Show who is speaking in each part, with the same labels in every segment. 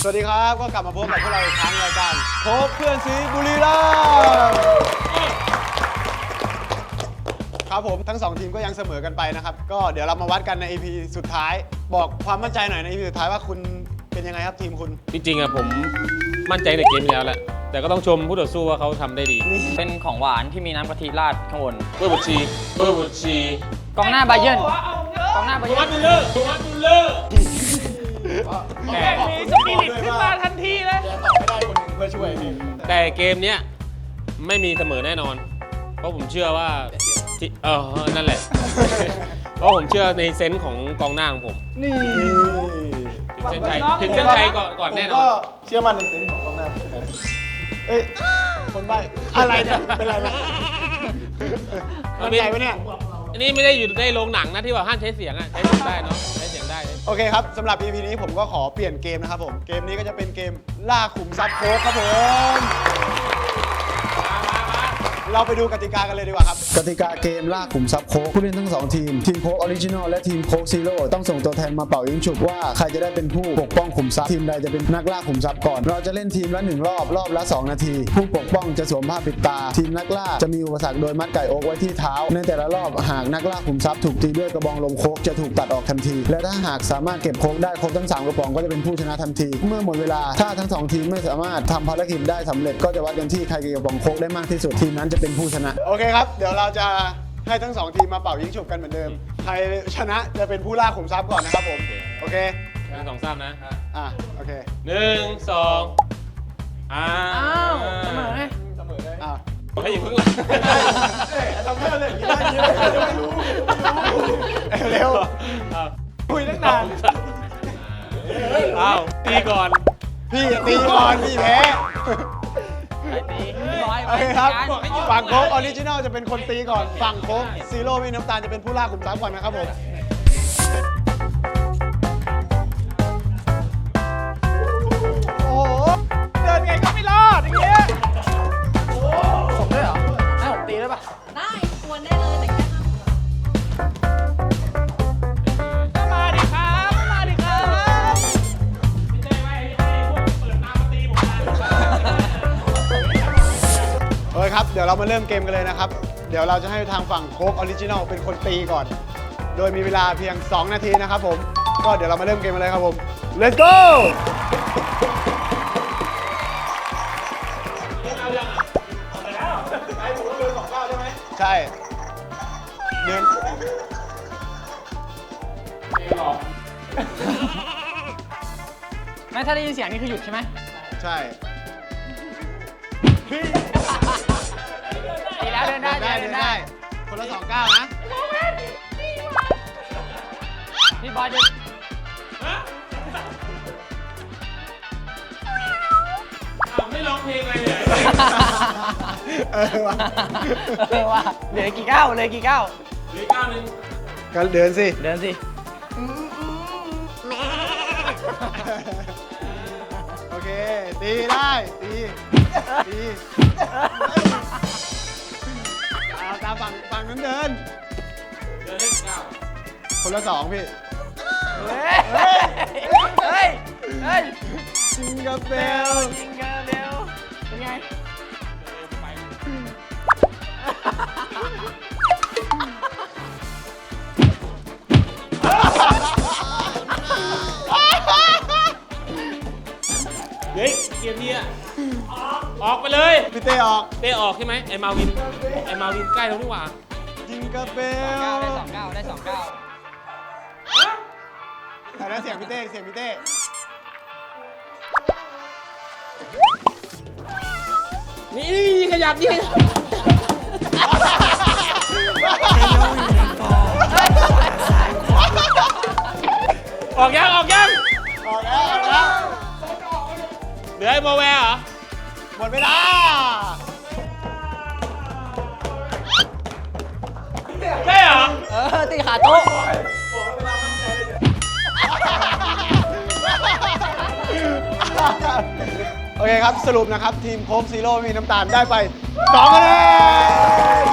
Speaker 1: วัสดีครับก็กลับมาพบกับพวกเราอีกครั้งรายการพบเพื่อนซีบุรีรัมย์ครับผมทั้ง2ทีมก็ยังเสมอกันไปนะครับก็เดี๋ยวเรามาวัดกันใน EP สุดท้ายบอกความมั่นใจหน่อยใน EP สุดท้ายว่าคุณเป็นยังไงครับทีมคุณ
Speaker 2: จริงๆอะผมมั่นใจในเกมที่แล้วแหละแต่ก็ต้องชมผู้ต่อสู้ว่าเขาทำได้ดี
Speaker 3: เป็นของหวานที่มีน้ำกะทิราดข้างบน
Speaker 2: เบอร์บุชี
Speaker 3: กองหน้าไบเยิร์นกองหน้าไบเยิร์น
Speaker 2: ดูเลอร์
Speaker 3: แกมีสปิริตขึ้นมาทันทีเลย
Speaker 1: ไม่ได้คนหนึ่งเพื่อช่วย
Speaker 2: แต่เกมเนี้ยไม่มีเสมอแน่นอนเพราะผมเชื่อว่านั่นแหละเพราะผมเชื่อในเซนส์ของกองหน้าของผม
Speaker 1: นี่
Speaker 2: ถึงเส้นชัยก่อนแน่นอน
Speaker 1: ก็เชื่อมั่นในเซนส์ของกองหน้าเอ้ยคนใบ้อะไรเนี่ยเป็นไรนะมั่นใจไหมเนี่ย
Speaker 2: อันนี้ไม่ได้อยู่ในโรงหนังนะที่ว่าห้ามใช้เสียงอะใช้เสียงได้เนาะใช้เสียงได้
Speaker 1: โอเคครับสำหรับ EP นี้ผมก็ขอเปลี่ยนเกมนะครับผมเกมนี้ก็จะเป็นเกมล่าขุมทรัพย์โค้กครับผมเราไปดูกติกากันเลยดีกว่าครับกติกาเกมล่าขุมทรัพย์โค้กผู้เล่นทั้ง2ทีมทีมโค้กออริจินอลและทีมโค้กซีโร่ต้องส่งตัวแทนมาเป่ายิงฉุบว่าใครจะได้เป็นผู้ปกป้องขุมทรัพย์ทีมใดจะเป็นนักล่าขุมทรัพย์ก่อนเราจะเล่นทีมละ1รอบละ2นาทีผู้ปกป้องจะสวมผ้าปิดตาทีมนักล่าจะมีอุปสรรคโดยมัดไก่โอ๊กไว้ที่เท้าในแต่ละรอบหากนักล่าขุมทรัพย์ถูกตีด้วยกระบองลมโค้กจะถูกตัดออกทันทีและถ้าหากสามารถเก็บโค้กได้ครบทั้ง3กระป๋องก็จะเป็นผู้ชนะทันทีเมื่อหมดเวลาถ้าทั้ง2ทีมไม่สามารถทำภารกิจได้สำเร็จก็จะวัดกันที่ใครเก็บกระป๋องโค้กได้มากที่สุดทีมนั้นจะเป็นผู้ชนะโอเคครับเดี๋ยวเราจะให้ทั้ง2ทีมมาเป่ายิงฉุบกันเหมือนเดิมใครชนะจะเป็นผู้ล่าขุมทรัพย์ก่อนนะครับผมโอเค
Speaker 2: 1 2 3นะ
Speaker 1: โอเค
Speaker 2: 1 2
Speaker 3: อ้าวเสมอไง
Speaker 2: ให้อยู่ข้างหลัง
Speaker 1: ทำได้เลยเร็วคุยตั้งนาน
Speaker 2: ตีก่อน
Speaker 1: พี่ตีก่อนพี่แพ้โอเคครับฝั่งโค้กออริจินัลจะเป็นคนตีก่อนฝั่งโค้กซีโร่ไม่น้ำตาลจะเป็นผู้ล่าขุมทรัพย์ก่อนนะครับผมโอ้โหเดินไงก็ไม่รอดอย่างเงี้ย
Speaker 3: ผมด้วยเหรอให้ผมตีได้ปะ
Speaker 4: ได้ควรได้เลยแต่แค่
Speaker 3: มาดิครับมาดิครับ
Speaker 1: โอเคครับเดี๋ยวเรามาเริ่มเกมกันเลยนะครับเดี๋ยวเราจะให้ทางฝั่งโค้กออริจินัลเป็นคนตีก่อนโดยมีเวลาเพียง2นาทีนะครับผมก็เดี๋ยวเรามาเริ่มเกมกันเลยครับผม let's goใช่เดิน
Speaker 3: ไม่ถ้าได้ยินเสียงนี่คือหยุดใช่ไหม
Speaker 1: ใช่
Speaker 3: ตีแล้วเดินได้
Speaker 1: คนละ2 ก้าวนะ
Speaker 3: พี่บอยจะ
Speaker 2: ไม่ร้องเพลงอะไรเลย
Speaker 3: ว่าเหลือกี่ก้าว
Speaker 2: เหลือก้าวนึง
Speaker 1: ก็เดินสิโอเคตีได้ตีตามฝั่งนั้นเดิน
Speaker 2: ได้9
Speaker 1: คนละ2พี่
Speaker 3: เฮ้ย
Speaker 1: จิงเกิลเบล
Speaker 3: เป็นไง
Speaker 2: เฮ้ยเกมนี้ออกไปเลย
Speaker 1: พี่เต้ออก
Speaker 2: ใช่ไหมไอ้มาวินใกล้แล้วนี่หว่า
Speaker 1: จิงเกิลเบล
Speaker 3: ได้2 ก้าว
Speaker 1: แต่แล้วเสียงพี่เต้
Speaker 2: นี่ขยับดิออกยัง
Speaker 1: แล้ว
Speaker 2: เหลือไอ้โมแวร์เหรอ
Speaker 1: หมดเวลา
Speaker 2: ใช่เหรอ
Speaker 3: ตีขาโต๊ะ
Speaker 1: โอเคครับสรุปนะครับทีมโค้กซีโร่มีน้ำตาลได้ไป2 คะแนน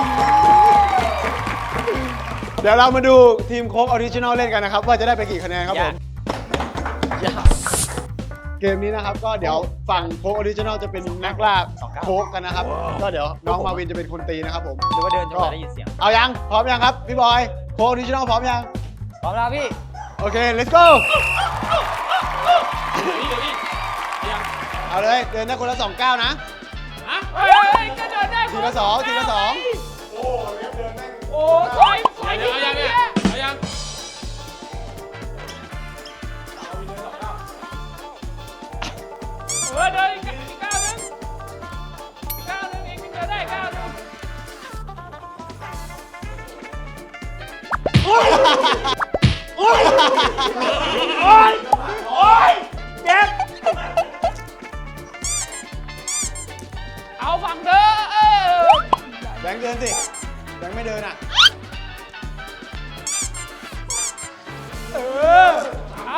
Speaker 1: เดี๋ยวเรามาดูทีมโค้กออริจินอลเล่นกันนะครับว่าจะได้ไปกี่คะแนนครับผมเกมนี้นะครับก็เดี๋ยวฝั่งโค้กออริจินอลจะเป็นนักล่าโค้กกันนะครับก็เดี๋ยวน้องมาวินจะเป็นคนตีนะครับผม
Speaker 3: หรือว่าเดินจนกว่าได้ยินเสียง
Speaker 1: เอายังพร้อมยังครับพี่บอยโค้กออริจินอลพร้อมยัง
Speaker 3: พร้อมแล้วพี่
Speaker 1: โอเค let's go เอาเลยเดินได้คนละ2 ก้าวนะ
Speaker 3: เฮ้ยก็เดินได้
Speaker 1: ทีละ2ทีละ2
Speaker 3: โอ้ถอย
Speaker 2: เดี๋ยวเอายังเนี่ยเอายัง
Speaker 3: เดินอีกก้าวนึงอีกก้าวนึงเองเดินได้ก้าวนึงโอ้ยเจ็บเอาฝั่งเธอ
Speaker 1: แบงค์เดินสิแบงค์ไม่เดินอ่ะ
Speaker 3: เอา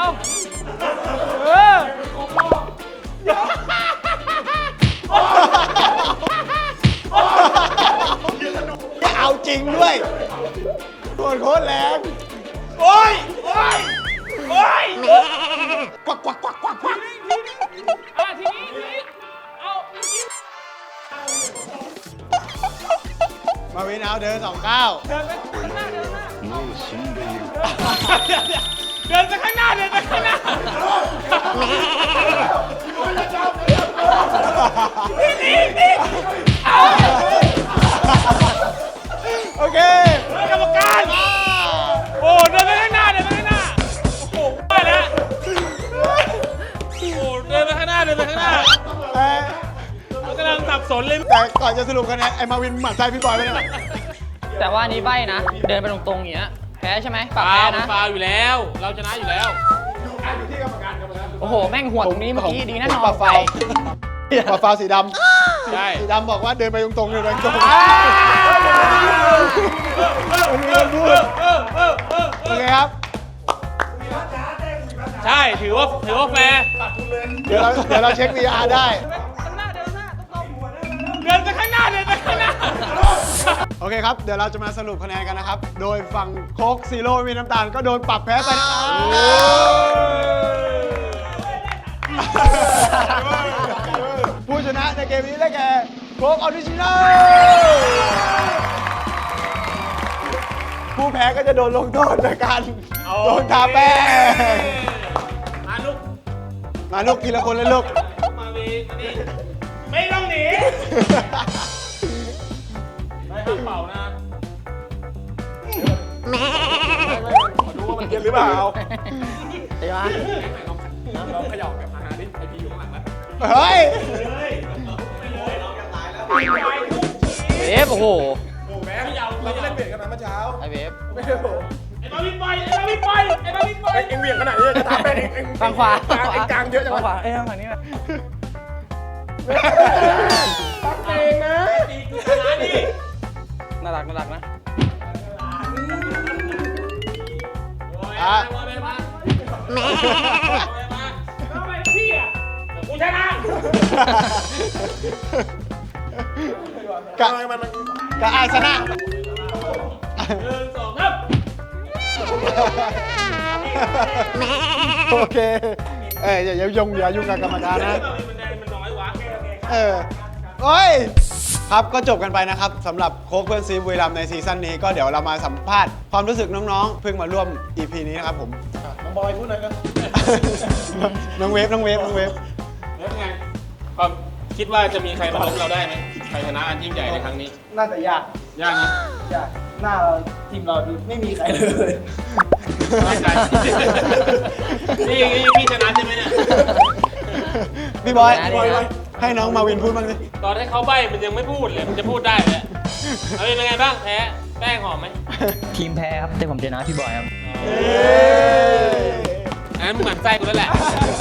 Speaker 1: เอาจริงด้วยโคตรแรง
Speaker 3: โอ้ย
Speaker 1: กวัก
Speaker 3: ทีนี้เอา
Speaker 1: มาวินเอาเดิน2 ก้าว
Speaker 3: เดินไปข้างหน้าเดินไปข้างหน้าเดินไปข้างหน้านี่เอา
Speaker 1: โอเค
Speaker 3: กรรมการโอ้เดินไปข้างหน้าโอ้โหว่าแล้ว
Speaker 2: โอ้เดินไปข้างหน้ามันกำลังสับสนเลย
Speaker 1: แต่ก่อนจะสรุปคะแนนไอ้มาวินหมั่นไส้พี่บอยไปเลย
Speaker 3: แต่ว่านี้ใบนะ เดินไปตรงๆอย่างเงี้ยแพ้ใช่ไหมปรับ
Speaker 2: ฟา
Speaker 3: แพ้
Speaker 2: วมัน
Speaker 3: นะ
Speaker 2: ฟาวอยู่แล้ว เราชนะอยู่แล้ว
Speaker 3: โอ้โห แม่งหัวตรงนี้เมื่อกี้ดีนะนอน
Speaker 1: ปะ
Speaker 3: ไฟ
Speaker 1: ฟาวสีดำ
Speaker 2: ใช่
Speaker 1: สีดำบอกว่าเดินไปตรงๆเดินไปตรงๆมันมีคนพูดโอเคครับ
Speaker 2: ใช่ถือว่าแฟร์
Speaker 1: เดี๋ยวเราเช็ค VR ได้
Speaker 3: ข้างหน้าเดินหน้าตรงๆเดินไปข้างหน้า
Speaker 1: โอเคครับ เดี๋ยวเราจะมาสรุปคะแนนกันนะครับ โดยฝั่งโค้กซีโร่ไม่มีน้ำตาลก็โดนปรับแพ้ไปนะครับผู้ชนะในเกมนี้ได้แก่โค้กออริจินอลผู้แพ้ก็จะโดนลงโทษในการโดนทาแป้ง
Speaker 2: มาลูก
Speaker 1: มาลูกทีละคนเลยลูก
Speaker 2: มาวีมานี่
Speaker 3: ไม่ต้องหนี
Speaker 2: ไม่ห้ามเป่านะ
Speaker 1: ดูว่ามันเย็นหรือเปล่า
Speaker 3: เดี๋ยว
Speaker 2: ลองเขย่าแบบอาหารดิไอพีอยู่ข้างหลังนะ
Speaker 1: เฮ้ย
Speaker 3: เวฟโอ้โห
Speaker 2: แม่เขย่าเราเล่นเบียดกันมาเมื่อเช้า
Speaker 3: ไอเวฟ
Speaker 2: ไอ้บาวินไปเอ็งเบียดขนาดนี้จะทำเป็นเอ็ง
Speaker 3: ฝั่งขวา
Speaker 2: เอ็งกลางเยอะจัง
Speaker 3: ฝั่งข
Speaker 2: วะ
Speaker 3: วาฝั่งนี้นะ
Speaker 2: ตักเองนะตีกูชนะดิ
Speaker 3: น่ารักนะ
Speaker 1: อ่ะ
Speaker 2: ทำไมพี่อ่ะกูชนะ
Speaker 1: กะอายชนะ
Speaker 2: 1 2 ครับ
Speaker 1: โอเค อย่ายุ่งกับกรรมการนะ
Speaker 2: มันน้อยวะ
Speaker 1: โอ้ย ครับก็จบกันไปนะครับสำหรับโค้กเพื่อนซีบุรีรัมย์ในซีซั่นนี้ก็เดี๋ยวเรามาสัมภาษณ์ความรู้สึกน้องๆ เพิ่งมาร่วม EP นี้นะครับผม น้องบอยพูดหน่อยกัน น้องเวฟ
Speaker 2: แล้วไงความคิดว่าจะมีใครมาล้มเราได้ไหมใครชนะอันยิ่งใหญ่ในครั้งนี้
Speaker 5: น่าจะยาก
Speaker 2: ยากนะ
Speaker 5: ยากหน้าเราทีมเราดูไม่มีใครเลย
Speaker 2: มั่นใจนี่พี่ชนะใช่ไหมเนี่ย
Speaker 1: พี่บอย ให้น้องมาวินพูดบ้างสิ
Speaker 2: ตอนให้เขาใบ้มันยังไม่พูดเลย มันจะพูดได้เลยเอาเป็นไงบ้างแพ้แป้งหอมไหม
Speaker 3: ทีมแพ้ครับ แต่ผมชนะพี่บอยครับ
Speaker 2: อันนั้นมึงหมั่นไส้กูแล้วแหละ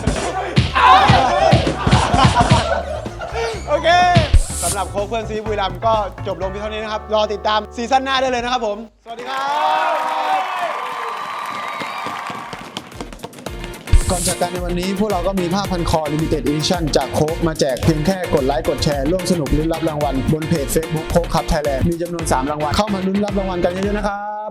Speaker 1: โอเคสำหรับโค้กเพื่อนซีบุรีรัมย์ก็จบลงเพียงเท่านี้นะครับ รอติดตามซีซั่นหน้าได้เลยนะครับผม สวัสดีครับ ก่อนจากกันในวันนี้พวกเราก็มีผ้าพันคอ Limited Edition จากโค้กมาแจกเพียงแค่กดไลค์กดแชร์ร่วมสนุกลุ้นรับรางวัลบนเพจ Facebook โค้กคัพไทยแลนด์มีจำนวน3รางวัลเข้ามาลุ้นรับรางวัลกันเยอะๆนะครับ